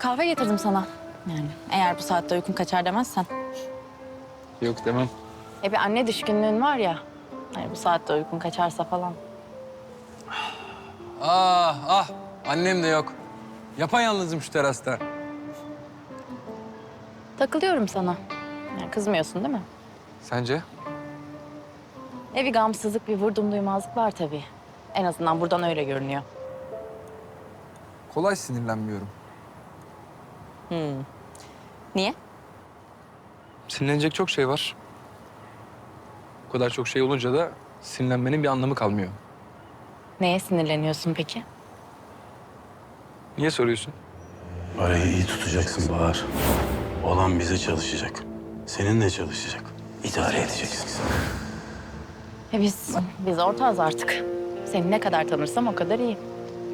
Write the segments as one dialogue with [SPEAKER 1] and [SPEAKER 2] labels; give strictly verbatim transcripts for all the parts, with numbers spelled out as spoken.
[SPEAKER 1] kahve getirdim sana. Yani eğer bu saatte uykun kaçar demezsen.
[SPEAKER 2] Yok demem.
[SPEAKER 1] E bir anne düşkünlüğün var ya. Hani bu saatte uykun kaçarsa falan.
[SPEAKER 2] Ah ah annem de yok. Yapayalnızım şu terasta.
[SPEAKER 1] Takılıyorum sana. Yani kızmıyorsun değil mi?
[SPEAKER 2] Sence?
[SPEAKER 1] E bir gamsızlık, bir vurdum duymazlık var tabii. En azından buradan öyle görünüyor.
[SPEAKER 2] Kolay sinirlenmiyorum.
[SPEAKER 1] Niye?
[SPEAKER 2] Sinirlenecek çok şey var. Bu kadar çok şey olunca da sinirlenmenin bir anlamı kalmıyor.
[SPEAKER 1] Neye sinirleniyorsun peki?
[SPEAKER 2] Niye soruyorsun?
[SPEAKER 3] Arayı iyi tutacaksın Bahar. Olan bize çalışacak. Seninle çalışacak. İdare edeceksin.
[SPEAKER 1] E biz, biz ortağız artık. Seni ne kadar tanırsam o kadar iyi.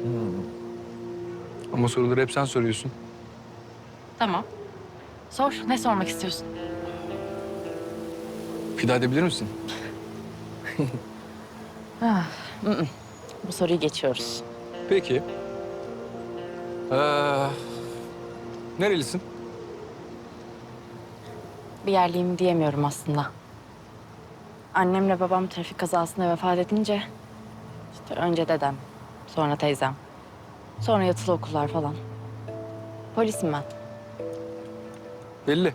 [SPEAKER 2] Ama soruları hep sen soruyorsun.
[SPEAKER 1] Tamam. Sor, ne sormak istiyorsun?
[SPEAKER 2] Fida edebilir misin?
[SPEAKER 1] Bu soruyu geçiyoruz.
[SPEAKER 2] Peki. Ee, nerelisin?
[SPEAKER 1] Bir yerliyim diyemiyorum aslında. Annemle babam trafik kazasında vefat edince... işte önce dedem, sonra teyzem, sonra yatılı okullar falan. Polisim ben.
[SPEAKER 2] Belli.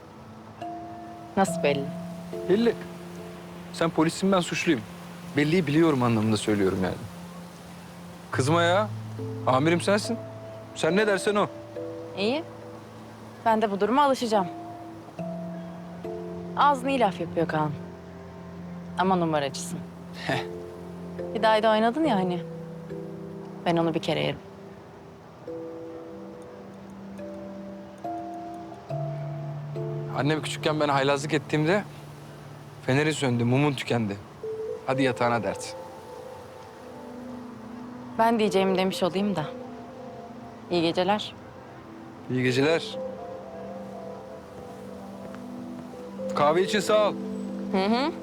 [SPEAKER 1] Nasıl belli?
[SPEAKER 2] Belli. Sen polissin, ben suçluyum. Belliyi biliyorum anlamında söylüyorum yani. Kızma ya. Amirim sensin. Sen ne dersen o.
[SPEAKER 1] İyi. Ben de bu duruma alışacağım. Ağzını iyi laf yapıyor Kaan. Ama numaracısın. Bir daha da oynadın ya hani. Ben onu bir kere yerim.
[SPEAKER 2] Annem küçükken ben haylazlık ettiğimde feneri söndü, mumun tükendi. Hadi yatağına dert.
[SPEAKER 1] Ben diyeceğimi demiş olayım da. İyi geceler.
[SPEAKER 2] İyi geceler. Kahve için sağ ol.
[SPEAKER 1] Hı hı.